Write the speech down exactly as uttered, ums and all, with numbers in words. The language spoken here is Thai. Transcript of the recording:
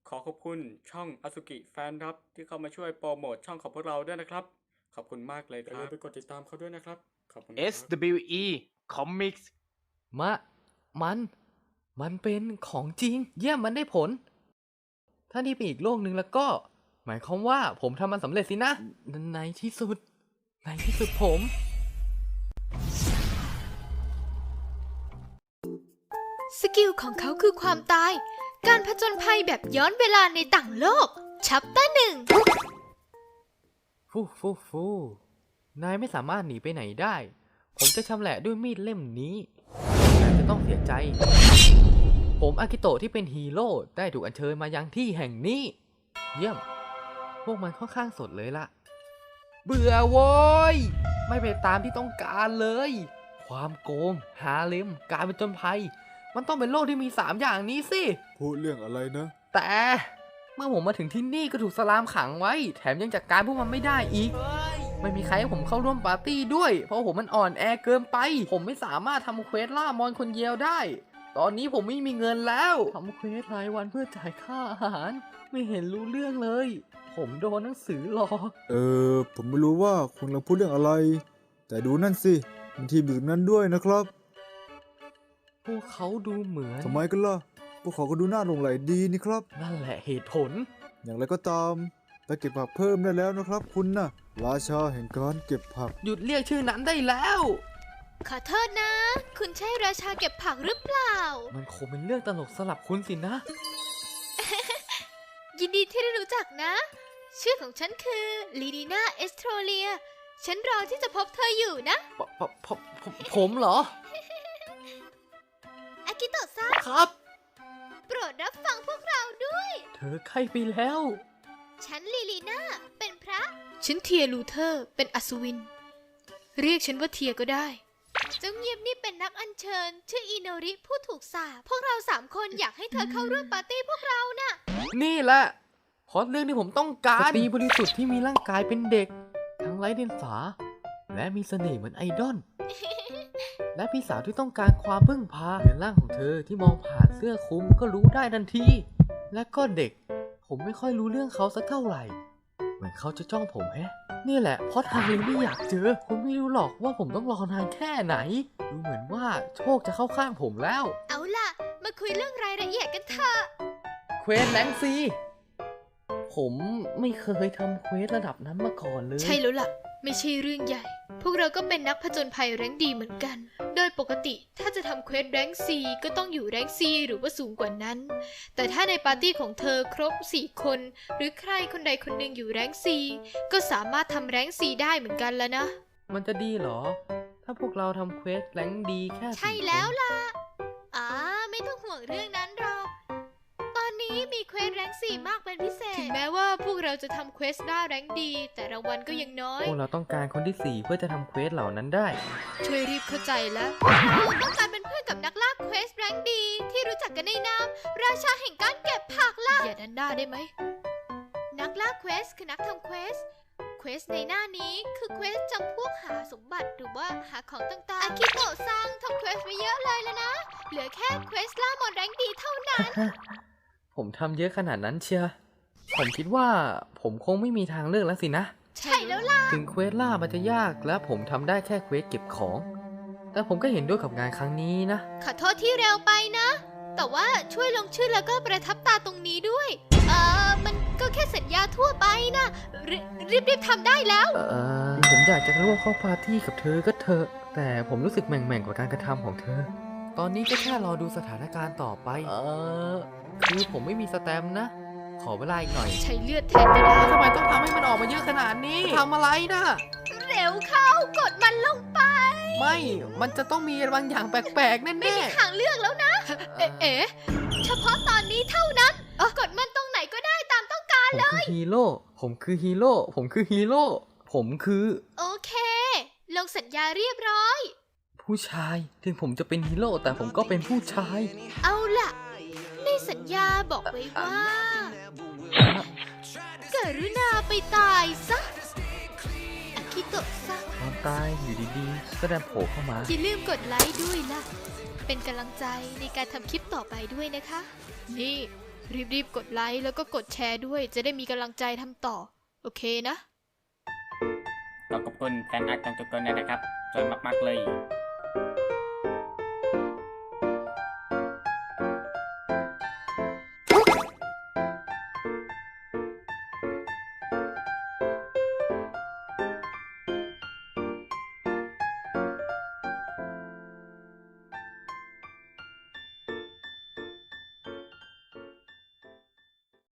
ขอขอบคุณช่องอ s สุกิแฟนครับที่เข้ามาช่วยโปรโมทช่องของพวกเราด้วยนะครับขอบคุณมากเลยครับอย่าลืมไปกดติดตามเขาด้วยนะครับขอบคุณครับเอส ดับเบิลยู อี Comics มะ มัน มันเป็นของจริง เยี่ยมมันได้ผล ถ้านี่เป็นอีกโลกหนึ่งแล้วก็ หมายความว่าผมทำมันสำเร็จสินะ ในที่สุด ในที่สุดผมสกิลของเขาคือความตาย การผจญภัยแบบย้อนเวลาในต่างโลก ชัปเตอร์หนึ่งฟูฟูฟูนายไม่สามารถหนีไปไหนได้ ผมจะชำแหละด้วยมีดเล่มนี้นายจะต้องเสียใจ ผมอากิโตะที่เป็นฮีโร่ได้ถูกอัญเชิญมายังที่แห่งนี้ เยี่ยม พวกมันค่อนข้างสดเลยล่ะ เบื่อโว้ย ไม่ไปตามที่ต้องการเลย ความโกง หาเลมการเป็นจนภัย มันต้องเป็นโลกที่มีสามอย่างนี้สิพูดเรื่องอะไรนะแต่เมื่อผมมาถึงที่นี่ก็ถูกสลามขังไว้ แถมยังจัดการพวกมันไม่ได้อีก ไม่มีใครให้ผมเข้าร่วมปาร์ตี้ด้วย เพราะผมมันอ่อนแอเกินไป ผมไม่สามารถทำเควสล่ามอนคนเดียวได้ ตอนนี้ผมไม่มีเงินแล้วทำเควสรายวันเพื่อจ่ายค่าอาหาร ไม่เห็นรู้เรื่องเลย ผมโดนหนังสือหลอกเออ ผมไม่รู้ว่าคุณกำลังพูดเรื่องอะไร แต่ดูนั่นสิมีทีมอยู่ตรงนั้นด้วยนะครับพวกเขาดูเหมือนทำไมกันล่ะ พวกเขาก็ดูน่าหลงใหลดีนี่ครับนั่นแหละเหตุผลอย่างไรก็ตาม ไปเก็บผักเพิ่มได้แล้วนะครับคุณนะ่ะ ราชาแห่งการเก็บผักหยุดเรียกชื่อนั้นได้แล้วขอโทษนะ คุณใช่ราชาเก็บผักหรือเปล่ามันคงเป็นเรื่องตลกสลับคุณสินะยินดีที่ได้รู้จักนะ ชื่อของฉันคือลีดีนาเอสโทรเลีย ฉันรอที่จะพบเธออยู่นะปปปปผมเหรออากิโตะซังครับโปรดรับฟังพวกเราด้วยเธอใกล้ไปแล้วฉันลีลีนาเป็นพระ ฉันเทียลูเทอร์เป็นอัศวิน เรียกฉันว่าเทียก็ได้ เจ้าเงียบนี่เป็นนักอัญเชิญ ชื่ออิโนริผู้ถูกสาปพวกเราสามคนอยากให้เธอเข้าร่วมปาร์ตี้พวกเราน่ะนี่แหละพอดเรื่องที่ผมต้องการสตรีบริสุทธิ์ที่มีร่างกายเป็นเด็ก ทั้งไร้เดียงสา และมีเสน่ห์เหมือนไอดอล และพี่สาวที่ต้องการความพึ่งพาในร่างของเธอที่มองผ่านเสื้อคลุมก็รู้ได้ทันที และก็เด็ก ผมไม่ค่อยรู้เรื่องเขาสักเท่าไหร่ เหมือนเขาจะจ้องผมแฮะ นี่แหละเพราะทางเลยไม่อยากเจอ คุณไม่รู้หรอกว่าผมต้องรอนานแค่ไหน ดูเหมือนว่าโชคจะเข้าข้างผมแล้วเอาล่ะ มาคุยเรื่องรายละเอียดกันเถอะเควสแรงซี ผมไม่เคยทำเควสระดับนั้นมาก่อนเลยใช่แล้วล่ะ ไม่ใช่เรื่องใหญ่ พวกเราก็เป็นนักผจญภัยแรงค์ดีเหมือนกัน โดยปกติถ้าจะทำเควสแรงค์ซีก็ต้องอยู่แรงค์ซีหรือว่าสูงกว่านั้น แต่ถ้าในปาร์ตี้ของเธอครบสี่คน หรือใครคนใดคนหนึ่งอยู่แรงค์ซีก็สามารถทำแรงค์ซีได้เหมือนกันแล้วนะมันจะดีเหรอ ถ้าพวกเราทำเควสแรงดีแค่สี่ใช่แล้วล่ะอ่าไม่ต้องห่วงเรื่องนั้นหรอก ตอนนี้มีเควสแรงค์สี่มากเป็นพิเศษ ถึงแม้ว่าพวกเราจะทำเควสได้แรงค์ดี แต่รางวัลก็ยังน้อยพวกเราต้องการคนที่สี่เพื่อจะทำเควสเหล่านั้นได้ช่วยรีบเข้าใจแล้วเราต้องการเป็นเพื่อนกับนักล่าเควสแรงค์ดี ที่รู้จักกันในนามราชาแห่งการเก็บผักล่ะอย่าดันด้าได้ไหม นักล่าเควสคือนักทำเควส เควสในหน้านี้คือเควสจำพวกหาสมบัติหรือว่าหาของต่างๆอากิโตะซังทำเควสไปเยอะเลยแล้วนะ เหลือแค่เควสล่ามอนแรงค์ดีเท่านั้นผมทำเยอะขนาดนั้นเชียผมคิดว่าผมคงไม่มีทางเลือกแล้วสินะใช่แล้วล่ะถึงเควสล่ามันจะยากและผมทำได้แค่เควสเก็บของ แต่ผมก็เห็นด้วยกับงานครั้งนี้นะขอโทษที่เร็วไปนะ แต่ว่าช่วยลงชื่อแล้วก็ประทับตาตรงนี้ด้วย เออมันก็แค่สัญญาทั่วไปนะรรีบรีบๆทำได้แล้วเออผมอยากจะร่วมเข้าปาร์ตี้กับเธอก็เถอะ แต่ผมรู้สึกแหม่งๆกับการกระทำของเธอ ตอนนี้ก็แค่รอดูสถานการณ์ต่อไป เออคือผมไม่มีสแตมป์นะ ขอเวลาอีกหน่อยใช้เลือดแทนก็ได้ทำไมต้องทำให้มันออกมาเยอะขนาดนี้ทำอะไรนะเร็วเข้ากดมันลงไปไม่ มันจะต้องมีบางอย่างแปลกๆแน่ไม่มีทางเลือกแล้วนะ เอ๊ะเอ๊ะเฉพาะตอนนี้เท่านั้น กดมันตรงไหนก็ได้ตามต้องการๆผมคือฮีโร่ ผมคือฮีโร่ ผมคือฮีโร่ ผมคือโอเค ลงสัญญาเรียบร้อยผู้ชาย ถึงผมจะเป็นฮีโร่แต่ผมก็เป็นผู้ชายเอาล่ะ ในสัญญาบอกไว้ว่า กรุณาไปตายซะอากิโตะซังความตายอยู่ดีๆก็ได้โผล่เข้ามาอย่าลืมกดไลค์ด้วยล่ะ เป็นกำลังใจในการทำคลิปต่อไปด้วยนะคะ นี่รีบๆกดไลค์แล้วก็กดแชร์ด้วยจะได้มีกำลังใจทำต่อ โอเคนะขอบคุณแฟนอาร์ตทุกคนนะครับสวยมากๆเลย